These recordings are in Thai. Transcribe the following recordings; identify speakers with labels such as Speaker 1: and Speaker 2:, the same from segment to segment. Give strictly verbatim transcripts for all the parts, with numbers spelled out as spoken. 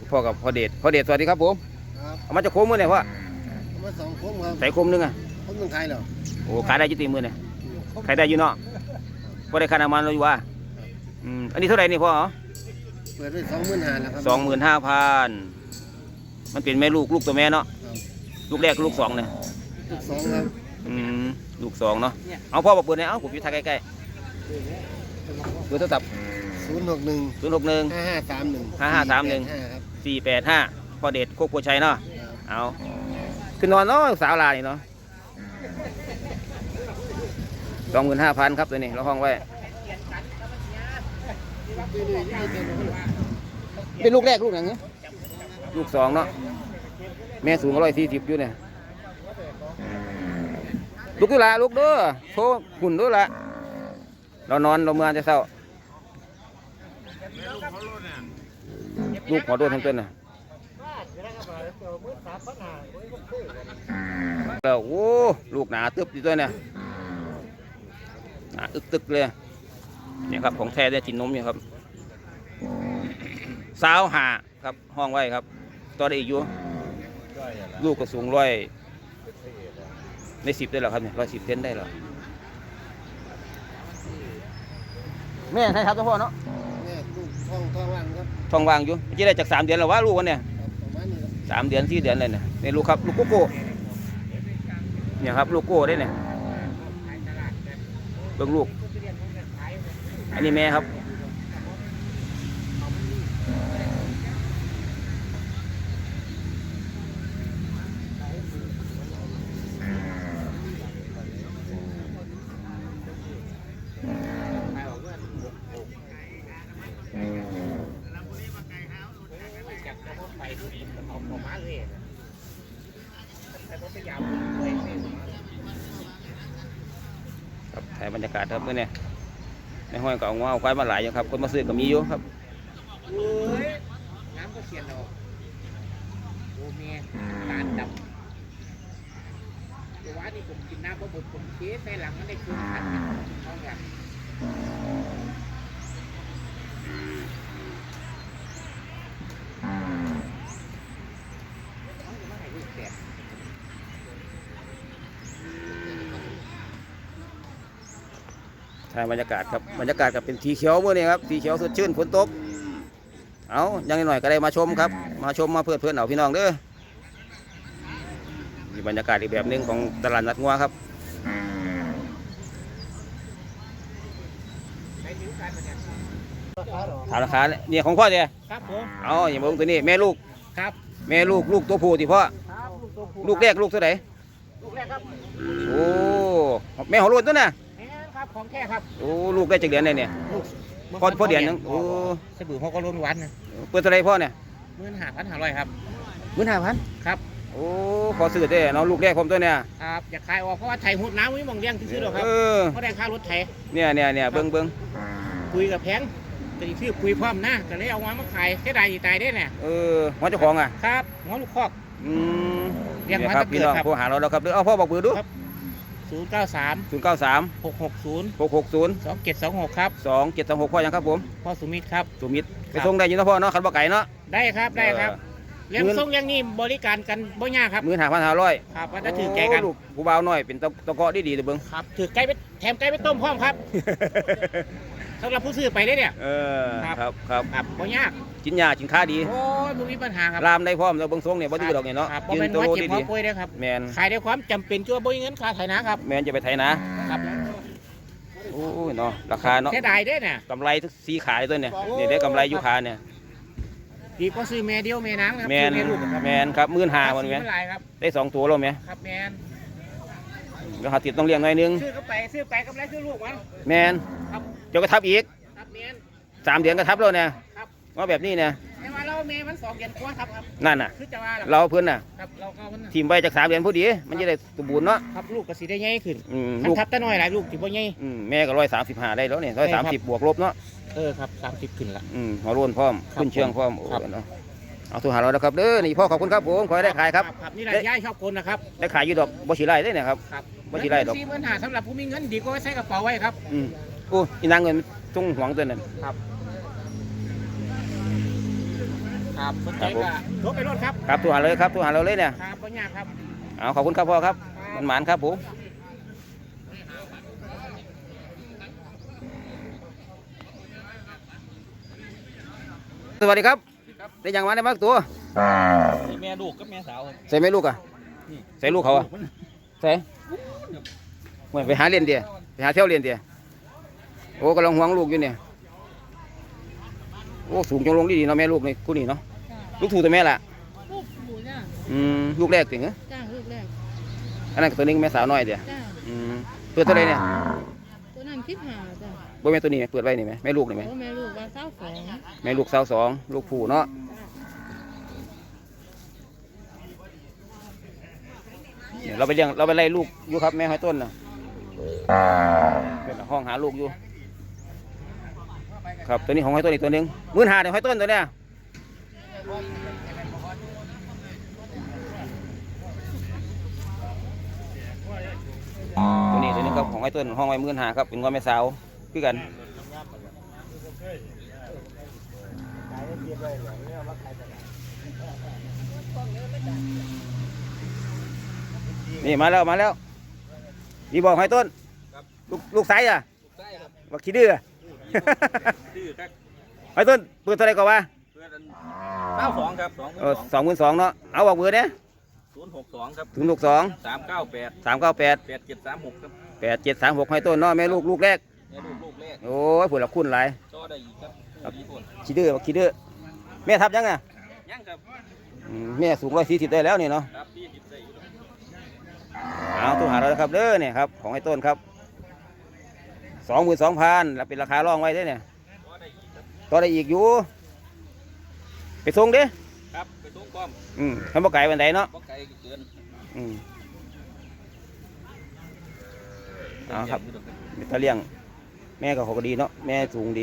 Speaker 1: พ่อกับพ่อเดชพ่อเดชสวัสดีครับผมเอามาจะโค้งมือไหนพ่อ
Speaker 2: เอามาสองโค้งครับ
Speaker 1: ใส่โค้งนึงอ่ะ
Speaker 2: โค้งหนึ่งขายเหรอ
Speaker 1: โอ้ขายได้ยี่ตีมือเนี่ยขายได้อยู่เนาะพ่ได้ขายน้ำมันเราอยู่ว่าอืมอันนี้เท่าไหร่นี่พ่อ
Speaker 2: เปิดไว้สองหมื่นห้าแล้วครับ
Speaker 1: สองหมื่นห้าพันมันเป็นแม่ลูกลูกตัวแม่เนาะลูกแรกลูกสองเนี่ย
Speaker 2: ลูกสองครับ
Speaker 1: อืมลูกสองเนาะเอาพ่อบอกเปิดเนี่ยเอาผมอยู่ทางใกล้ๆเบอร์โทรศัพท์
Speaker 2: ศูนย์หกหนึ่ง
Speaker 1: ศูนย์หกหนึ่ง
Speaker 2: ห้าห้าสามหนึ่ง
Speaker 1: ห้าห้าสามหนึ่งสี่แปดห้าพ่อเดชโคกโพชัยเนาะเอาคือนอนเนาะสาวลานี่เนาะสองหมื่นห้าพันครับตัวนี้เราห้องไว้เป็นลูกแรกลูกไหนเงี้ยลูกสองเนาะแม่สูงร้อยสี่สิบอยู่เนี่ยลูกด้วยละลูกด้วยโชว์หุ่นด้วยละเรานอนเราเมื่อจะเศร้าลูกหัวโดนทั้งต้นน่ะแล้วโอ้ลูกหนาตึบอยู่ด้วยเนี่ยหนาอึกตึกเลยเนี่ยครับของแท้ได้กินนมอยู่ครับสาวหาครับห้องไว้ครับต่อได้อีกอยู่ลูกก็สูงร้อยในสิบได้หรอครับเนี่ยร้อยสิบเซนได้หรอแม่ใครครับเจ้าพ่อเนาะ
Speaker 2: แม่ลูกท้องท้องว่างครับ
Speaker 1: ท้องว่างอยู่จะได้จากสามเดือนหรอวะลูกวันเนี่ยสามเดือนสี่เดือนเลยเนี่ยนี่ลูกครับลูกโกโก้เนี่ยครับลูกโก้ได้เนี่ยเบิ่งลูกอันนี้แม่ครับครับถ่ายบรรยากาศครับเมื่อเนี่ยในห้อยก็เอางเอาควายมาหลายอยู่ครับคนมาซื้อก็มีอยู่ครับ
Speaker 2: น้ำก็เสียนออกโอ้เมียตาดำแต่ว่านี่ผมกินน้ำเพราะผมผมเทใส่หลังมันได้คืนขันท้องแบบ
Speaker 1: ถ่ายบรรยากาศครับบรรยากาศกับเป็นสีเขียวเมื่อนี้ครับสีเขียวสดชื่นฝนตกเอายังหน่อยก็ได้มาชมครับมาชมมาเพื่อนเพื่อนเอาพี่น้องเด้อมีบรรยากาศอีกแบบหนึ่งของตลาดนัดงัวครับถามราคาเนี่ยของพ่อเนี่ย
Speaker 2: ครับผม
Speaker 1: เอาอย่างมึงตัวนี้แม่ลูก
Speaker 2: ครับ
Speaker 1: แม่ลูกลูกตัวผู้ที่พ่อลูกแรกลูกเท่าไหร่
Speaker 2: ลูกแรกครับ
Speaker 1: โอ้แม่ของรุ่นตัวน่ะ
Speaker 2: ครับของแท้ครับ
Speaker 1: โอ้ลูกได้จากเดือนไหนเนี่ยพ่อพ่อเดือนนึงโอ้
Speaker 2: สบู่เขาก็ล้นวันนะ
Speaker 1: เปิดเท่าไรพ่อเนี่ย
Speaker 2: หมื่นห้าพันห้าร้อยครับ
Speaker 1: หมื่นห้าพัน
Speaker 2: ครับ
Speaker 1: โอ้ขอซื้อได้เนาะลูกแรกผมตัวเนี่ย
Speaker 2: ครับอยากขายออกเพราะว่าไถหุดน้ำไม่มองเลี้ยงซื้อหรอกครับเพราะแรงค่ารถไถ
Speaker 1: เนี่ยเนี่ยเนี่ยเบิ้งเบิ้ง
Speaker 2: คุยกับแพงแต่ชื่อคุยพร้อมนะก็เลยเอามามาขายแค่ใดตายได้เนี่ย
Speaker 1: เออหัวเจ้าของอ่ะ
Speaker 2: ครับหัวลูกคอก
Speaker 1: อืม
Speaker 2: เรียกมา
Speaker 1: ครับพี่น้องโทรหาเราแล้วครับเอาพ่อบอกเบอร์ดู
Speaker 2: ศูนย์เก้าสาม
Speaker 1: ศูนย์เก้าสาม
Speaker 2: หกหกศูนย์
Speaker 1: หกหกศูนย์
Speaker 2: สองเจ็ดสองหกครับ
Speaker 1: สองเจ็ดสองหกพ่อยังครับผม
Speaker 2: พ่อสุมิตรครับ
Speaker 1: สุมิตรไปส่งได้ยินนะพ่อเนาะขันบ่ไก่เนาะ
Speaker 2: ได้ครับได้ครับเลี้ยงส่งอย่างนี้บริการกันบ่ยากครับ
Speaker 1: หมื่นห้าพันห้าร้อย
Speaker 2: ครับว่าจะถือไก่กัน
Speaker 1: ลูกผู้บ่าวน้อยเป็นตะเกาะดีดีตัวเบิ้ง
Speaker 2: ครับถือไก่ไปแถมไก่ไปต้มพร้อมครับสำหรับผู้ซื้อไปได้เนี่ย
Speaker 1: เออครับครับ
Speaker 2: ครับบ่ยาก
Speaker 1: กินยากินข้าดี
Speaker 2: โอ้ยไม่มีปัญหาครับ
Speaker 1: รามได้พร้อมแล้วเบิ้งทรงเนี่ยบ่ดื้อดอกเนี่ยเนาะ
Speaker 2: ยืนโตดีดีแมนขายได้ความจำเป็นชั่วบ่มีเงินค่าไถนาครับ
Speaker 1: แมนจะไปไถนาครับโอ้ยเนาะราคาเนาะ
Speaker 2: เสียดายได้เนี่ย
Speaker 1: กำไรทุกสีขายตัวเนี่ยเนี่ยได้กำไรยุคาเนี่ย
Speaker 2: ดีก็ซื้อแม่เดียวแม่นางครับ
Speaker 1: แมนแมนครับหมื่นห้าวันไหมได้สองตัวแล้วไหม
Speaker 2: ครับแมน
Speaker 1: แล้วหาติดต้องเลี้ยงหน่อยนึง
Speaker 2: ซื้อก็ไปซื้อไปกำไรซื้อลูกมัน
Speaker 1: แมนเจ้าก็ทับอีกสามเดือนก็ทับแล้วเนี่ยว่าแบบนี้เนี่ย
Speaker 2: แต่ว่าเราเมย์มันสองเดือนกว่าครับ
Speaker 1: นั่นน่ะเราเพื่อนน่ะทีมไปจากสามเดือนพอดีมันจะได้สมบูรณ์เนาะ
Speaker 2: ครับลูกก็สีได้ใหญ่ขึ้นลูกทับแต่น้อยหลายลูกถือว่าใหญ่
Speaker 1: แม่ก็ร้อยสามสิบห้าได้แล้วเนี่ยร้อยสามสิบบวกลบเนาะ
Speaker 2: เออครับสามสิบขึ้นละ
Speaker 1: อืมหัวรุ่นพร้อมขึ้นเชื่องพร้อมโอ้เนาะเอาทุกหาเราแล้วครับเด้อนี่พ่อขอบคุณครับผมขอให้ได้ขายครับ
Speaker 2: ครับนี่รายย่ายชอบคนนะครับ
Speaker 1: ได้ขายอยู่ดอกบ่ฉีไร่ได้เนี่ยครับบ่ฉีไร่ดอก
Speaker 2: สี่หมื่นห้าสำหรับผู้มีเงินดีก็ใช้กระเป๋าไว้ครับ
Speaker 1: อืมโอ้ยนางเงินต้องหวงตัวนั้น
Speaker 2: ครับครับสนใจก็รถไปรถครับ
Speaker 1: ครับตัวหาเลยครับตัวหาเราเลยเนี่ย
Speaker 2: ครับปัญญาครับ
Speaker 1: เอาขอบคุณครับพ่อครับมันหมานครับผมสวัสดีครับได้ยังมาได้บ้างตัว
Speaker 2: มีแม่ลูกกับแม่สาว
Speaker 1: ใส่ไหมลูกอ่ะใส่ลูกเขาอ่ะใส่ไม่ไปหาเรียนเดียไปหาเที่ยวเรียนเดียโอ้กำลังห่วงลูกอยู่เนี่ยโอ้สูงจังลงดีๆเนาะแม่ลูกนี่คู่นี้เนาะลูกถูกตัวแม่ละ
Speaker 3: ลูกหมูจ้า
Speaker 1: อืมลูกแรกจริงเหรอ
Speaker 3: จ้าลูกแรก
Speaker 1: อันนั้นตัวนึงแม่สาวน้อยเดีย
Speaker 3: จ้า
Speaker 1: อืมเปิดตัวไหนเนี่ย
Speaker 3: ตัวนั้นคิดหาจ้า
Speaker 1: บ่แม่ตัวนี้เปิดไว้นี่ไหมแม่ลูกนี่ไหม
Speaker 3: โอ้แม่ลูกว่าเศร้าสอง
Speaker 1: แม่ลูกสาวสองลูกผู้เนาะเนี่ยเราไปเลี้ยงเราไปไล่ลูกอยู่ครับแม่หอยต้นนะเป็นห้องหาลูกอยู่ครับตัวนี้ของหอยต้นอีกตัวหนึงหมื่นห้าเดี๋ยวหอยต้นตัวเนี้ยตัวนี้ตัวนี้ครับของหอยต้นห้องไว้หมื่นห้าครับเป็นงอนแม่สาวคือกันนี่มาแล้วมาแล้วดีบอกหอยต้นลูกลูกไซส์อ่ะบักขี้ดื้อ
Speaker 2: ดื้อครับ
Speaker 1: หอยต้นเปิดเท่าไหรก่อนวะ
Speaker 2: เพื่อนเก้าสองครับสอง
Speaker 1: เออสองหมื่นสองเนาะเอาบอกเบอร์เนี่ย
Speaker 2: ศูนย์หกสองครับ
Speaker 1: ถึงลูกสอง
Speaker 2: สามเก้าแปด
Speaker 1: สามเก้าแปด
Speaker 2: แปดเจ็ดสามหกครับ
Speaker 1: แปดเจ็ดสามหกหอยต้นเนาะแม่ลูกลูกแรก
Speaker 2: แม่ลูกลูกแรก
Speaker 1: โอ้ยผุดละคุณหลาย
Speaker 2: จ่อได้อีกครับดีผล
Speaker 1: ขี้ดื้อบักขี้ดื้อแม่ทับยังไง
Speaker 2: ยังครับ
Speaker 1: อืมแม่สูงร้อยสี่สิบได้แล้วนี่เนาะ
Speaker 2: ครับพี่จิบใส่อยู่ตรง
Speaker 1: เอาตัวหาเราครับเด้อเนี่ยครับของไอ้ต้นครับสองหมื่นสองพันแล้วเป็นราคาร่องไว้ได้อเนี่ย
Speaker 2: จ่อได้อีกครับ
Speaker 1: ต่อได้อีกอยู่ไปส่งเด้
Speaker 2: ครับไปทุ่งป้อม
Speaker 1: อืมทำบ่ไก่วันใดเนาะ
Speaker 2: บ่ไกลเกิน
Speaker 1: อืมเอาครับตะเลี้ยงแม่ก็เขาก็ดีเนาะแม่สูงดี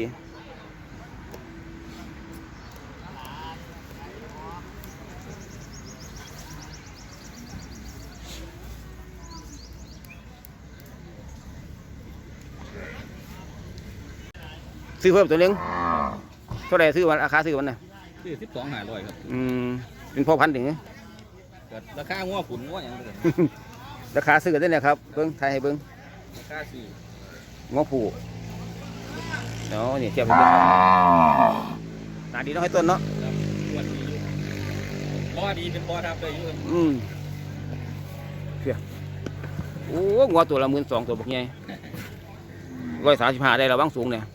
Speaker 1: ซื้อเพิ่มตัวหนึงเท่าไหรซื้อวันราคาซื้อวันน่ะ
Speaker 2: คือสิบสองหาร้อยครับ
Speaker 1: อืมเป็นพ่อพันธุ์ถึง
Speaker 2: เกิดราคางัวผุนงัวอย่างเงี้ย
Speaker 1: ราคาซื้อกันได้เนี่ยครับเบิ้งไทยให้เบิ้ง
Speaker 2: ราคาสี่
Speaker 1: งอผูเนาะนี่เทียบให้เบิ้งครับหนาดีเนาะให้ต้นเนาะ
Speaker 2: ครับงัวดีอยู่บ่อดีเป็นบ่อทับเลยอยู่ครับ
Speaker 1: อืมเพียโอ้งัวตัวละหมื่นสองตัวบักใหญ่ร้อยสามสิบห้าได้แล้วบ้างสูงเนี่ย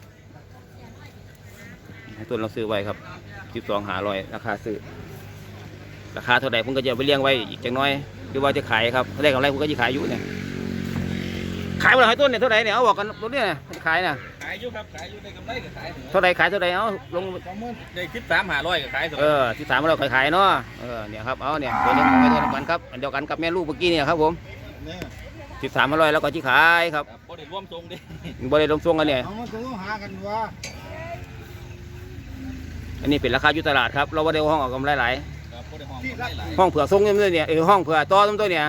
Speaker 1: ให้ต้นเราซื้อไว้ครับสิบสองหาร้อยราคาซื้อราคาเท่าไหร่ผมก็จะไปเลี้ยงไว้อีกจังน้อยหรือว่าจะขายครับถ้าได้กำไรผมก็จะขายอยู่เนี่ยขายเมื่อไหร่ต้นเนี่ยเท่าไหร่เนี่ยเอาบอกกันตัวเนี้ยขายน่ะ
Speaker 2: ขายอยู่ครับขายอยู่ในกำไรก็ขาย
Speaker 1: เท่าไหร่ขายเท่าไหร่เอาลง
Speaker 2: สองหมื่นได้สิบสามหาร้อยก็ขายสอง
Speaker 1: เออที่สามเราขายขายเนาะเออเนี่ยครับเอาเนี่ยตัวหนึงของไอ้ตัวน้ำกันครับอันเดียวกันกับแม่ลูกเมื่อกี้เนี่ยครับผม
Speaker 2: เนี่ย
Speaker 1: สิบสามร้อยแล้วก็ที่ขายครับ
Speaker 2: ครับบ่ได้ร่วมทรงดิ
Speaker 1: บริเวณลงทรงกันเนี่ย
Speaker 2: เอามาตัวหากันว่า
Speaker 1: อันนี้เป็นราคาอยู่ตลาดครับเราว่าได้ห้องออกกำไรหลาย
Speaker 2: ครับบ่ได้ห้องบ่ได้หลาย
Speaker 1: ห้องเผื่อทรงเนี่ยเนี่ยเออห้องเผื่อต่อต้นตัวเนี่ย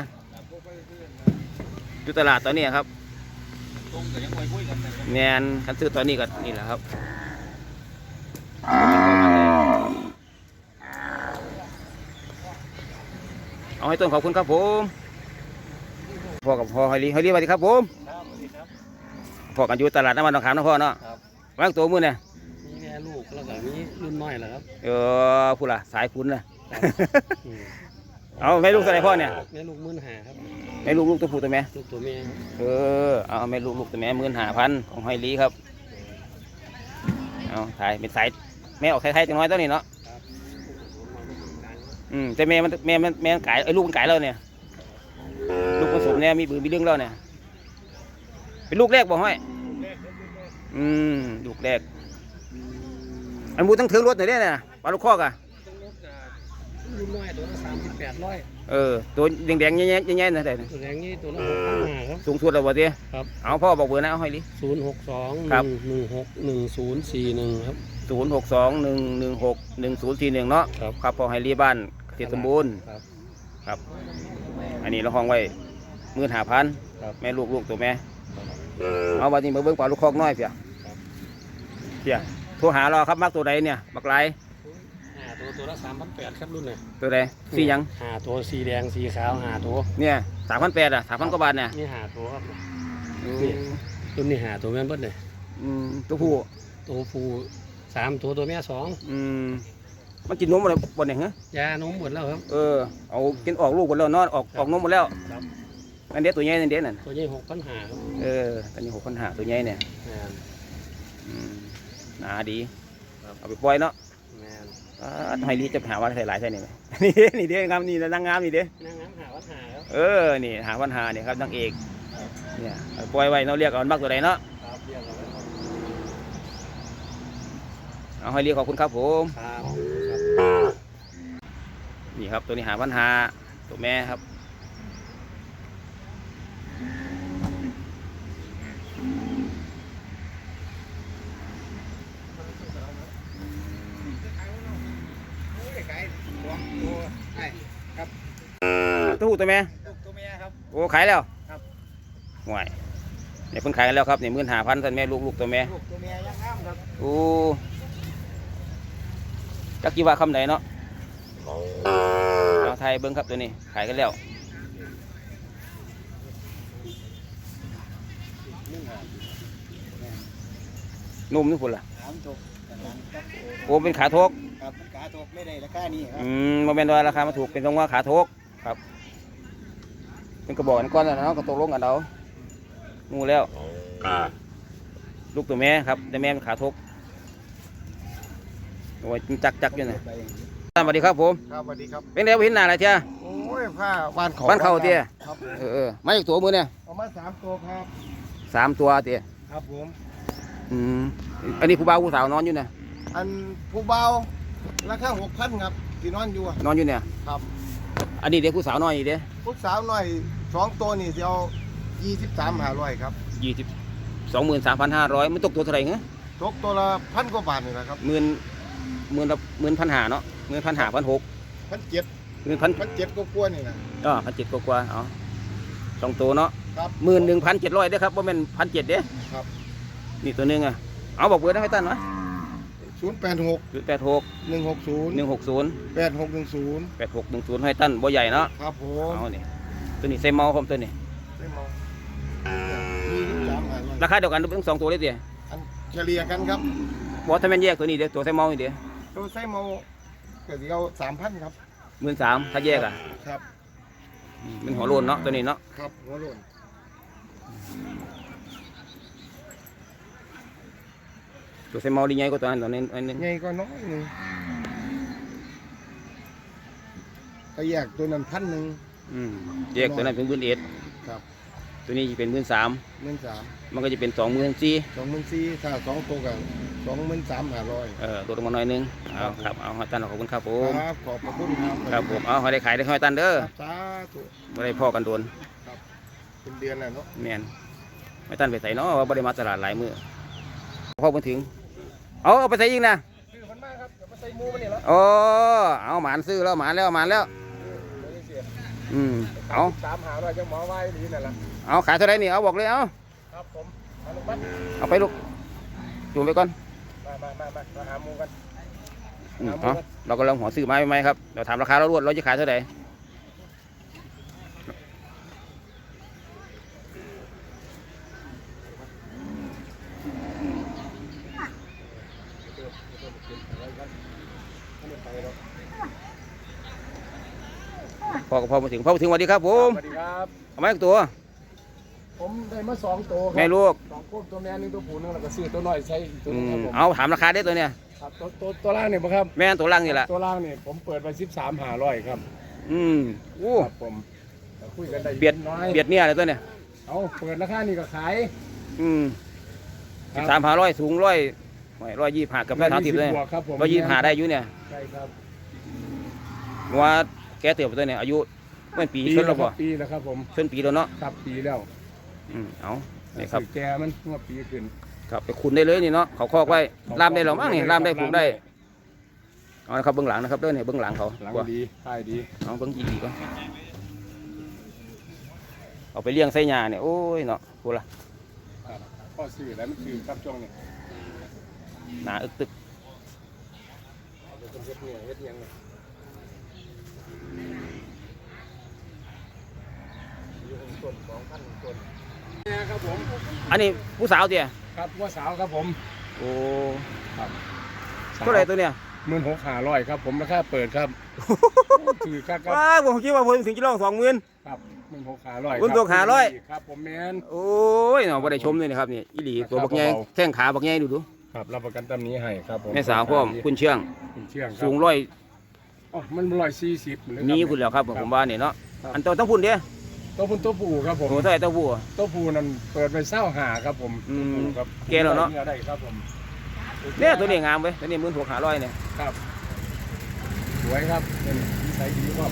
Speaker 1: อยู่ตลาดตอนนี้ครับ
Speaker 2: ทรงก็ยังคุยคุยกันนะครับ
Speaker 1: แมนคันซื้อตอนนี้ก็นี่แหละครับเอาให้ต้นขอบคุณครับผมพ่อกับพ่อไฮรีไฮรีสวัสดีครับผม
Speaker 2: ครับสวัสดีครับ
Speaker 1: พ่อกันอยู่ตลาดน้ำมันหนองขามนะพ่อเนาะ
Speaker 2: ครับ
Speaker 1: วางตัวมือเนี่ย
Speaker 2: มีแม่ลูกแล้วก็มีรุ่นน้อยแหละครับ
Speaker 1: เออผู้ละสายคุณนะ เอาแม่ลูกตัวไหนพ่อเนี่ย
Speaker 2: แม่ลูกมื่นหาครับ
Speaker 1: แม่ลูกลูกตัวผู้ตัวแม่
Speaker 2: ลูกตัวแม่
Speaker 1: เออเอาแม่ลูกลูกตัวแม่หมื่นห้าพันของไฮรีครับเอาถ่ายเป็นสายแม่ออกไทยๆจังน้อยตัวนี้เนาะอืมแต่แม่มันแม่มันแม่มันไก่ไอ้ยลูกมันไก่แล้วเนี่ยลูกผสมเนี่ยมีบือมีเรื่องแล้วเนี่ยเป็นลูกแรกบอกให้อืมลูกแรกอันมูต้องถึงรถหน่อยได้เนี่ยปลาลูกคอกอ่ะ
Speaker 2: รุ่นน้อยตัวละสามสิบแปดร้อย
Speaker 1: เออตัวแดงๆแง่ๆแง่ๆนะแต่
Speaker 2: ตัวแรงนี้ตัวละหกพันห้าครับ
Speaker 1: สูงสุดแล้วบ่เตี้ย
Speaker 2: ครับ
Speaker 1: เอาพ่อบอกเบอร์นะเอาให้ดิ
Speaker 2: ศูนย์หกสองห
Speaker 1: ครั
Speaker 2: นึ่
Speaker 1: บ
Speaker 2: งหนึ่งหกหนึ่งศูนย์สี่หนึ่งครับ
Speaker 1: ศูนย์หกสองหนึ่งหนึ่งหกหนึ่งศูนย์สี่หนึ่งเนาะ
Speaker 2: ครับ
Speaker 1: ครับพ่อให้รีบ้านเกษตรสมบูรณ์
Speaker 2: ครับ
Speaker 1: ครับ อันนี้เราห้องไว้หมื่นห้าพัน
Speaker 2: ครับ
Speaker 1: แม่ลูกลูกตัวแม่เอาวันนี้มาเบิ้งปลาลูกคอกน้อยเพียเพียโทรหาเราครับมักตัวใดเนี่ยมักไร
Speaker 2: ห้า
Speaker 4: ตัวตัวละสามพันแปดครับรุ่นเนี่ย
Speaker 1: ตัวใดสีหยัง
Speaker 4: หาตัวสีแดงสีขาวหาตัว
Speaker 1: เนี่ยสามพันแปดอ่ะสามพันกว่าบาทเนี่ย
Speaker 4: นี่หาตัวครับ
Speaker 1: อืม
Speaker 4: รุ่นนี้หาตัวแม่นเบิดเลย
Speaker 1: อืมตัวผู้
Speaker 4: ตัวฟูสามตัวตัวแม่สอง
Speaker 1: อืมมันกินนมอะไรบนไหนเหรอย
Speaker 4: านมหมดแล้วครับ
Speaker 1: เออเอากินออกลูกหมดแล้วเนอนออกออกนมหมดแล้ว
Speaker 4: ครับ
Speaker 1: อันเด็ดตัวใหญ่นั่นเด็ดนั่น
Speaker 4: ตัวนี้หกพันหาครับ
Speaker 1: เออตอนนี้หกพันหาตัวใหญ่เนี่ย
Speaker 4: แมน
Speaker 1: อืมหนาดี
Speaker 4: ครับ
Speaker 1: เอาไปปล่อยเนาะ
Speaker 4: แมน
Speaker 1: อ่าให้รีจะหาว่าใส่หลายใส่นี่ไหม นี่นี่เด้งามนี่นางงามนี่เด้
Speaker 4: นางงามหาวัดหาครับ
Speaker 1: เออนี่หาปัญหาเนี่ยครับนางเอกเนี่ยเอาปล่อยไว้เนาะเรียกเอามันมากตัวใดเนาะ
Speaker 4: ครับเรียกเอาไว้ครับ
Speaker 1: เอาให้เรียกขอบคุณครับผม
Speaker 4: ครับ
Speaker 1: นี่ครับตัวนี้หาปัญหาตัวแม่ครับตัวผู้ตัวแม่
Speaker 2: ตัวเมียครับ
Speaker 1: โอ้ขายแล้ว
Speaker 2: ครับ
Speaker 1: ห่วยเนี่ยเพิ่งขายกันแล้วครับเนี่ยหมื่นหาพันสันแม่ลูกลูกตัวแม่
Speaker 2: ลูกตัวเมียยังงามครับ
Speaker 1: โอ้จักกี่ว่าคำไหนเนาะเอาไทยเบิ้งครับตัวนี้ขายกันแล้วนุ่มนี่พุ่นล่ะ
Speaker 2: สามจบกันนั้นครับ
Speaker 1: โอ้เป็นขาทก
Speaker 2: ครับมันขาตกไม่ได้ราคานี้ครับ
Speaker 1: อืมโมเมนต์ว่าราคามาถูกเป็นตรงว่าขาทกครับเป็นกระบอกกันก้อนแล้วเนาะก็ตกลงกันเอางูแล้วลูกตัวแม่ครับแต่แม่เป็นขาทกโอ้ยจักจักอยู่นะสวัสดีครับผม
Speaker 2: ครับสวัสดีครับ
Speaker 1: เป็นไงบ่เห็นหน้าอะไรเจ้า
Speaker 2: โอ้ยผ้าบ้านเขา
Speaker 1: บ้านเขาเตี้ย
Speaker 2: ครับ
Speaker 1: เออเออมาจากตัวมือเนี่ย
Speaker 2: เอามาสามตัวครับ
Speaker 1: สามตัวเตี้ย
Speaker 2: ครับผม
Speaker 1: อืมอันนี้ผู้บ่าวผู้สาวนอนอยู่เนี่ย
Speaker 2: อันผู้เบาราคาหกพันครับที่นอนอยู่อะ
Speaker 1: นอนอยู่เนี่ย
Speaker 2: ครับ
Speaker 1: อันนี้เด็กผู้สาวนอนอยู่เด้
Speaker 2: ผู้สาวหน่อยสองตัวนี่จะเอายี่สิบสามหาร้อยครับ
Speaker 1: ยี่สิบสองหมื่นสามพันห้าร้อยมันตกตัวเท่าไหร่เงี้ย
Speaker 2: ตกตัวละพันกว่าบาทนี่นะครับ
Speaker 1: หมื่นหมื่นละหมื่นพันหาเนาะหมื่นพันหาพันหก
Speaker 2: พันเจ็ด
Speaker 1: หมื่นพัน
Speaker 2: พันเจ็ดก็กลัวานี่นะ
Speaker 1: อ๋อพันเจ็ดกว่าๆเอาสองตัวเนาะ
Speaker 2: ครับ
Speaker 1: หมื่นหนึ่งพันเจ็ดร้อยเด้อครับว่าเป็นพันเจ็ดเด้
Speaker 2: ครับ
Speaker 1: นี่ตัวหนึงอ่ะเอาบอกเบอร์ได้ให้ตั้นวะ
Speaker 2: ศูนย์แปดหก
Speaker 1: ศูนย์แปดหก
Speaker 2: หนึ่งหกศูนย์
Speaker 1: หนึ่งหกศูนย์
Speaker 2: แปดหกหนึ่งศูนย์
Speaker 1: แปดหกหนึ่งศูนย์ให้ตั้นบ่ใหญ่เนาะ
Speaker 2: ครับผม
Speaker 1: เอานี่ตัวนี้ใส่เมาผมตัวนี้
Speaker 2: ได้มายี่สิบสามหาร้อย
Speaker 1: ราคาเดียวกันทั้งสองตัวเลยเตี้ย
Speaker 2: อันเฉลี่ยกันครับ
Speaker 1: บอกถ้าแม่นแยกตัวนี้เด้อตัวใส่เมานี่เด้
Speaker 2: ตัวไส้เมาเกิดเอาสามพันครับ
Speaker 1: หมื่นสามถ้าแยกอ่ะ
Speaker 2: ครับ
Speaker 1: อืมมันหัวโลนเนาะตัวนี้เนาะ
Speaker 2: ครับหัวโลน
Speaker 1: ตัวใส่เมาดีใหญ่กว่าตัวนั้นตัวนี้อันนึง
Speaker 2: ใหญ่ก็น้อยหนึ่งก็แยกตัวนั้นพันหนึ่ง
Speaker 1: อืมแยกตัวนั้นเป็นหมื่นเอ็ด
Speaker 2: ครับ
Speaker 1: ตัวนี้จะเป็นหมื่นสาม
Speaker 2: หมื่นสาม
Speaker 1: มันก็จะเป็นสองหมื่นสี่
Speaker 2: สองหมื่นสี่ถ้าสองตัวกันสองหมื่นสามห้าร้อย
Speaker 1: เออตัวลงมาหน่อยหนึงเอาครับเอาให้ตันขอบคุณครับผม
Speaker 2: ครับขอบพระคุณครับ
Speaker 1: ครับผมเอาให้ได้ขายได้ให้ตันเด้อ
Speaker 2: ครับสาธุ
Speaker 1: ไม่ได้พ่อกันโดน
Speaker 2: เป็นเดือนแล้วเนาะ
Speaker 1: แมนไม่ตันไปใส่เนาะว่าไม่ได้มาตลาดหลายมื้อพ่อมาถึงเอาเอาไปใส่ยิงนะ
Speaker 2: คือมันมากครับเดี๋ยวมาใส่หมูมันนี่แล้ว
Speaker 1: โอ้เอาหมานซื้อแล้วหมานแล้วหมานแล้วอืมเอา
Speaker 2: สามหาร้อยจะหมอไว้ดีนั่นแหละ
Speaker 1: เอาขายเท่าไหรนี่เอาบอกเลยเอา
Speaker 2: ครับผมมาลงมา
Speaker 1: เอาไปลูกจูงไปก่อน
Speaker 2: มามามามามาหาหมูกัน
Speaker 1: อืมเอาเรากำลังหัวซื้อไม้ไหมครับเราถามราคาเรารวดเราจะขายเท่าไหร่พ่อก็พ่อมาถึงพ่อมาถึงสวัสดีครับผม
Speaker 2: สวัสดีครับ
Speaker 1: เอาไม้อีกตัว
Speaker 2: ผมได้มาสองตัวครั
Speaker 1: แม่ลูก
Speaker 2: สองตัวตัวแม่หนึงตัวผู้หนึงแล้วก็ซื้อตัวน้อยใช้อีกตัว
Speaker 1: อื
Speaker 2: หนึงครับผม
Speaker 1: มเอาถามราคาได้ตัวเนี่ย
Speaker 2: ครับตัวตัวตัวล่างเนี่ยบ่ครับ
Speaker 1: แม่นตัวล่างนี่แหละ
Speaker 2: ตัวล่างเนี่ยผมเปิดไปสิบสามหาร้อยครับ
Speaker 1: อืมอู้
Speaker 2: ครับผมแต่คุยกันได้
Speaker 1: เบียด
Speaker 2: น้อย
Speaker 1: เบียดเนี่ยอะไรตัวเนี่ย
Speaker 2: เอาเปิดราคานี่ก็ขาย
Speaker 1: อืม
Speaker 2: ครับ
Speaker 1: สามหาร้อยสูงร้อยร้อยยี่สิบห้ากับร้อยสามสิบเลย
Speaker 2: บวกครับผม
Speaker 1: ร้อยยี่สิบห้าได้อยู่เนี่ย
Speaker 2: ใช่ครับ
Speaker 1: ว่าแกเติบโตเนี่ยอายุเมื่อปี
Speaker 2: ปี
Speaker 1: ชน
Speaker 2: แล้
Speaker 1: แล้ว ว
Speaker 2: ครั
Speaker 1: บ่
Speaker 2: บปีแล้วครับผม
Speaker 1: ชนปีแล้วเนาะ
Speaker 2: ครับปีแล้ว
Speaker 1: อืมเอานี่ครับ
Speaker 2: สื่อแกมันเมื่อปีขึ้น
Speaker 1: ครับไปคุณได้เลยนี่เนาะเขาคอกไว้ล่ามได้หรอมั้งนี่ล่ามได้ผูกได้เอาละครับเบื้องหลังนะครับเด้อเนี่ยเบื้องหลังเขา
Speaker 2: หลัง
Speaker 1: ว่า
Speaker 2: ดีท้ายดี
Speaker 1: เอาเบื้องอีดีก็เอาไปเลี้ยงไส้ยาเนี่ยโอ้ยเนาะพูดละ
Speaker 2: ครับพ่อสื่อแล้วมันสื่อครับช่วงนี้
Speaker 1: หนาอึกตึก
Speaker 4: เป็นเฮ็ดเนี่ยเฮ็ดยังไงอยู่ของต้นสองพันต้นเนี่ยครับผม
Speaker 1: อันนี้ผู้สาวเตี่ย
Speaker 4: ครับว่าสาวครับผม
Speaker 1: โอ้
Speaker 4: ครับ
Speaker 1: เท่าไหร่ตัวเนี่ย
Speaker 4: หมื่นหกห้าร้อยครับผมราคาเปิดครับถือครับ
Speaker 1: ว้าผมคิดว่าผมถึงจะลองสองหมื่น
Speaker 4: ครับหมื่นหกห้าร้อย
Speaker 1: หมื่นหกห้าร้อย
Speaker 4: ครับผมแมน
Speaker 1: โอ้ยเนาะบ่ได้ชมเลยนะครับนี่อีหลีตัวบักใหญ่
Speaker 4: เบาๆ
Speaker 1: แข้งขาบักใหญ่ดูดู
Speaker 4: ครับรับประกันตำนี้ให้ครับผม
Speaker 1: แม่สาวพร้อมคุณเชื่อง
Speaker 4: คุณเชื่องครับ
Speaker 1: สูงร้อย
Speaker 4: อ๋อมันร้อยสี่สิบ
Speaker 1: มีคุณแล้วครับผมว่าเนี่ยเนาะอันตัวต้องพุ่นเด้
Speaker 4: ตัวพุ่นตัวปูครับผม
Speaker 1: โอ้เท่าไหร่ตัวผู้อะ
Speaker 4: ตัวปูนั่นเปิดไปเศร้าหาครับผม
Speaker 1: อืม
Speaker 4: ตัวผู้ครับ
Speaker 1: แก่แล้วเนาะ
Speaker 4: นื้อได้ครับผม
Speaker 1: เนี่ยตัวนี้งามเว้ยตัวนี้หมื่นหกห้าร้อยเนี่ย
Speaker 4: ครับสวยครับเป็นนิสัยดีครับ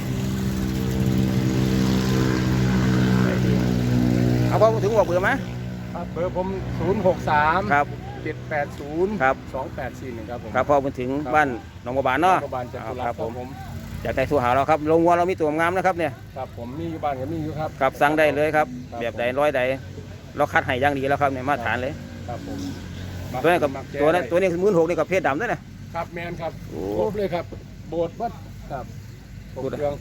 Speaker 1: เอาพอถึงบอกเบอร์ไหม
Speaker 4: ครับเบอร์ผมศูนย์หกสาม
Speaker 1: ครับ
Speaker 4: เจ็ดแปดศูนย์
Speaker 1: ครับ
Speaker 4: สองแปดสี่หนึ่งครับผม
Speaker 1: ครับพอมาถึงบ้านหนองบัวบานเนาะ
Speaker 4: รัฐบาลจัตุ
Speaker 1: เอา
Speaker 4: รั
Speaker 1: ค
Speaker 4: ส
Speaker 1: รับ
Speaker 4: ค
Speaker 1: ผ
Speaker 4: รับ
Speaker 1: ม
Speaker 4: ผม
Speaker 1: อยากได้สู้หาเราครับลงวัวเรามีตัวงามนะครับเนี่ย
Speaker 4: ครับผมมีอยู่บ้านก็มีอยู่ครับ
Speaker 1: ครับสั่งได้เลยครับ
Speaker 4: ครับ
Speaker 1: แบบใดร้อยใดเราคัดให้อย่างดีแล้วครับเนี่ยมาตรฐานเลย
Speaker 4: ครับผม
Speaker 1: ตัวนี้กับ
Speaker 4: มัแก้
Speaker 1: ตัวนั้น
Speaker 4: ได้
Speaker 1: ตัวนี้หมื่นหกนี่กับเพศดำด้วยนะ
Speaker 4: ครับแมนครับ
Speaker 1: โอ้
Speaker 4: ครบเลยครับโบสถ์วัดครับครบ
Speaker 1: พูดอะ
Speaker 4: เครื่อง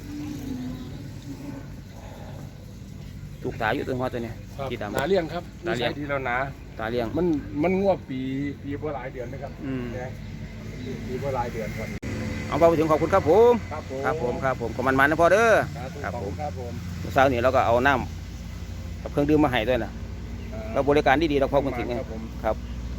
Speaker 1: ถูกตาอยู่ตัวหัวตัวนี้
Speaker 4: ครับ
Speaker 1: สีดำ
Speaker 4: หนาเลี้ยงครับ
Speaker 1: หนาเลี้ยง
Speaker 4: นิสัดีแล้วหนา
Speaker 1: ตาเลี้ยง
Speaker 4: มันมันงวบปีปีกว่าหลายเดือนนะครับ
Speaker 1: อืม
Speaker 4: แดงปีกว่าหลายเดือนครับ
Speaker 1: เอาพอไปถึงขอบคุณครับผม
Speaker 4: ครับผม
Speaker 1: ครับผมครับผมขอบมันมันนะพ่อเด้อ
Speaker 4: ครับ
Speaker 1: ครับ
Speaker 4: ขอบ
Speaker 1: ผ
Speaker 4: คุ
Speaker 1: ม
Speaker 4: ณครับผม
Speaker 1: เช้านี้เราก็เอาน้ำกับเครื่องดื่มมาให้ด้วยนะเราบริการดีๆเราพอคนถึงไง
Speaker 4: ครับผม
Speaker 1: ครับ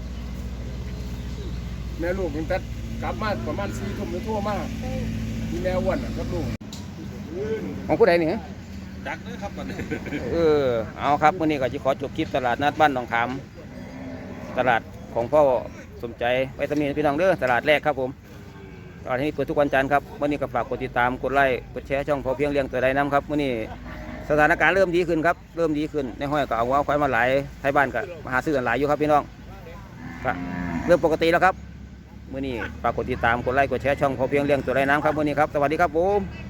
Speaker 4: แม่ลูกมันตัดกลับมาประมาณสี่ทุ่มหรือทั่วมากมีแม่อ้วนอะครับลูก
Speaker 1: ของผู้ใดนี่ฮะ
Speaker 4: จักเลยครับมัน
Speaker 1: เออเอาครับวันนี้ก็จะขอจบคลิปตลาดนัดบ้านหนองขามตลาดของพ่อสมใจไว้ตำหนิพี่น้องเด้อตลาดแรกครับผมตลาดที่เปิดทุกวันจันทร์ครับวันนี้ก็ฝากกดติดตามกดไลค์กดแชร์ช่องพอเพียงเลี้ยงตัวใดน้ำครับวันนี้สถานการณ์เริ่มดีขึ้นครับเริ่มดีขึ้นในห้อยก็เอาวัวควายมาหลายไทยบ้านก็มาหาซื้อกันหลายอยู่ครับพี่น้องก็เริ่มปกติแล้วครับวันนี้ฝากกดติดตามกดไลค์กดแชร์ช่องพอเพียงเลี้ยงตัวใดน้ำครับวันนี้ครับสวัสดีครับผม